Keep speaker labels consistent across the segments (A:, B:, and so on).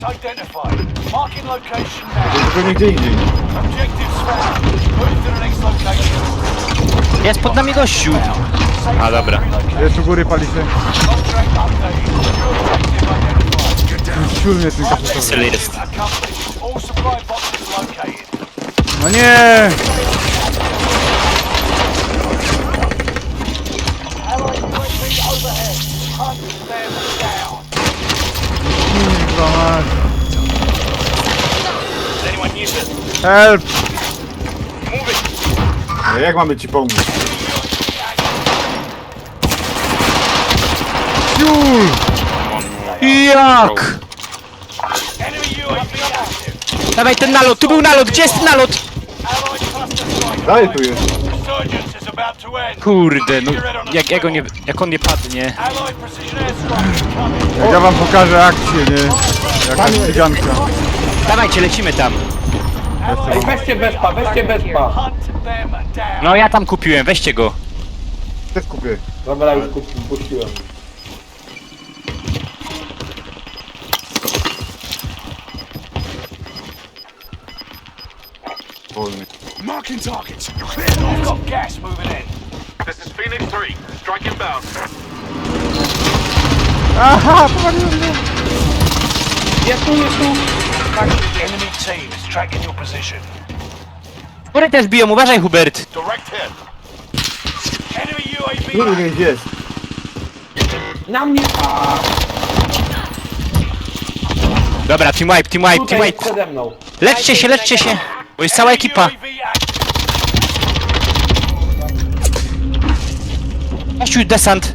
A: Identified. Marking location now.
B: Tylko nigdzie indziej.
A: Objectives found. Move to the next location.
C: Jest pod nami gościu. A dobra.
B: Jest u góry, pali się.
A: Contract updated. New objective identified.
B: Ciul mnie tylko
C: Cel
B: sobie.
C: jest.
A: Accomplished. All supply boxes located.
B: No nie!
A: Allied UAV overhead. Hunt them down.
B: Kurwa mać.
A: Anyone use it?
B: Help!
A: Move it.
B: Ale jak mamy ci pomóc? Ciul!
C: Jak?
A: Enemy UAV active.
C: Dawaj ten nalot, tu był nalot, gdzie jest ten nalot?
A: Allied cluster strike.
B: Dalej tu jest.
A: Resurgence is about to end.
C: Kurde, no jak on nie padnie.
A: Allied precision airstrike incoming.
B: Ja wam pokażę akcję, nie? Jakaś cyganka.
C: Dawajcie, lecimy tam.
D: Ej, weźcie bezpa, weźcie bezpa.
A: Hunt them down.
C: No ja tam kupiłem, weźcie go.
B: Też kupię.
D: Dobra, już puściłem.
B: Wolny.
A: Marking targets. I've got gas moving in.
E: This is Phoenix 3. Strike inbound.
B: Aha, powaliłem mnie.
D: Jest tu, jest tu.
A: Enemy team is tracking your position.
C: Góry też biją, uważaj Hubert.
A: Direct hit. Enemy UAV
B: Góry gdzieś jest.
D: Na mnie.
C: Dobra, team wipe, team wipe, team
D: Tutaj jest
C: wipe.
D: przede mną.
C: Leczcie się, bo jest cała ekipa.
A: UAV active.
C: Gościu, desant.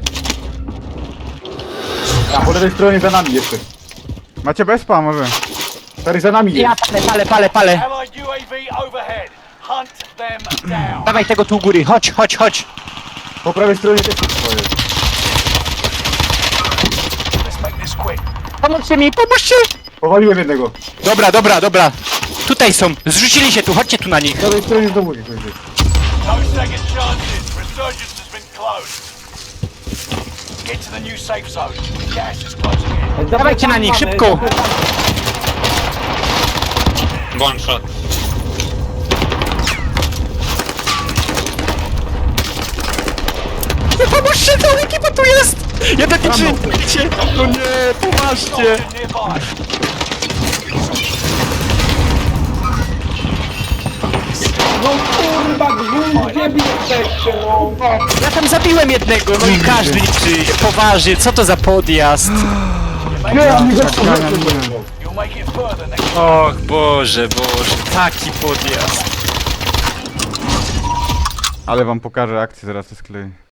B: A po lewej stronie za nami jeszcze. Macie bezpa może? Stary za nami
C: Ja
B: jest.
C: palę.
A: Allied UAV overhead. Hunt them down.
C: Dawaj tego tu u góry, chodź.
B: Po prawej stronie też jest swoje.
A: Let's make this quick.
C: Pomóżcie mi, pomóżcie!
B: Powaliłem jednego.
C: Dobra. Tutaj są, zrzucili się tu, chodźcie tu na nich.
B: Po prawej stronie znowu gdzieś jest.
A: No second chances. Resurgence has been closed. Get to the new safe zone. Gas is closing in.
C: Dawajcie na nich, szybko.
E: One shot.
C: Pomóżcie, cała ekipa tu jest! Jeden nie żyje, no nie, poważnie.
A: Nearby.
D: No kurwa, gdzie wy jesteście, no?
C: Ja tam zabiłem jednego, no i każdy liczy. Poważnie, co to za podjazd?
A: You'll make it further next.
C: Och, Boże, taki podjazd.
B: Ale wam pokażę akcję, zaraz to skleję.